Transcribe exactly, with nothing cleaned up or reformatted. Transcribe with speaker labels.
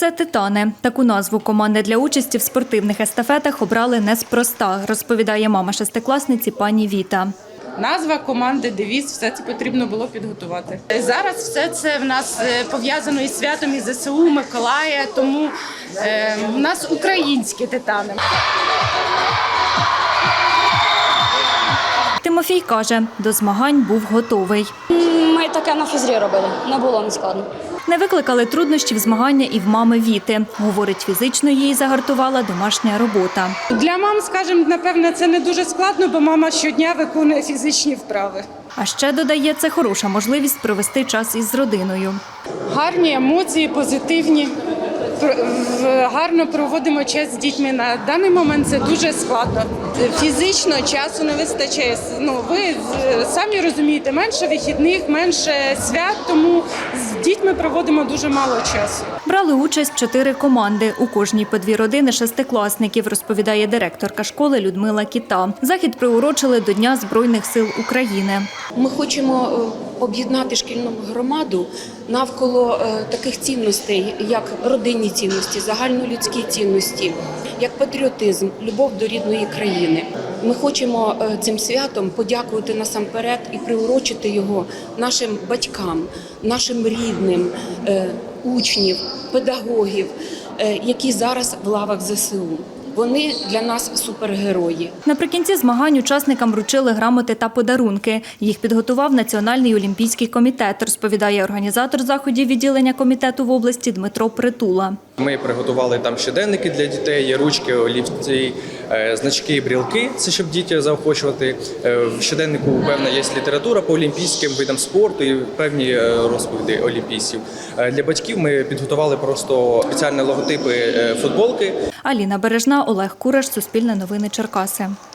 Speaker 1: Це «Титани». Таку назву команди для участі в спортивних естафетах обрали неспроста, розповідає мама шестикласниці пані Віта.
Speaker 2: Назва команди, девіз, все це потрібно було підготувати. Зараз все це в нас пов'язано із святом із ЗСУ, Миколая, тому е, в нас українські «Титани».
Speaker 1: Тимофій каже, до змагань був готовий.
Speaker 3: Ми таке на фізрі робили, не було нескладно.
Speaker 1: Не викликали труднощів змагання і в мами Віти. Говорить, фізично її загартувала домашня робота.
Speaker 2: Для мам, скажімо, напевно, це не дуже складно, бо мама щодня виконує фізичні вправи.
Speaker 1: А ще, додає, це хороша можливість провести час із родиною.
Speaker 2: Гарні емоції, позитивні. Гарно проводимо час з дітьми. На даний момент це дуже складно. Фізично часу не вистачає. Ну, ви самі розумієте, менше вихідних, менше свят, тому з дітьми проводимо дуже мало часу.
Speaker 1: Брали участь чотири команди. У кожній по дві родини шестикласників, розповідає директорка школи Людмила Кіта. Захід приурочили до Дня Збройних сил України.
Speaker 4: Ми хочемо об'єднати шкільну громаду навколо таких цінностей, як родинні цінності, загальнолюдські цінності, як патріотизм, любов до рідної країни. Ми хочемо цим святом подякувати насамперед і приурочити його нашим батькам, нашим рідним, учнів, педагогів, які зараз в лавах ЗСУ. Вони для нас супергерої.
Speaker 1: Наприкінці змагань учасникам вручили грамоти та подарунки. Їх підготував Національний олімпійський комітет, розповідає організатор заходів відділення комітету в області Дмитро Притула.
Speaker 5: Ми приготували там щоденники для дітей, ручки, олівці, значки, брілки, це щоб діти заохочувати. В щоденнику, певна, є література по олімпійським видам спорту і певні розповіді олімпійців. Для батьків ми підготували просто спеціальні логотипи футболки.
Speaker 1: Аліна Бережна, Олег Кураш, Суспільне новини, Черкаси.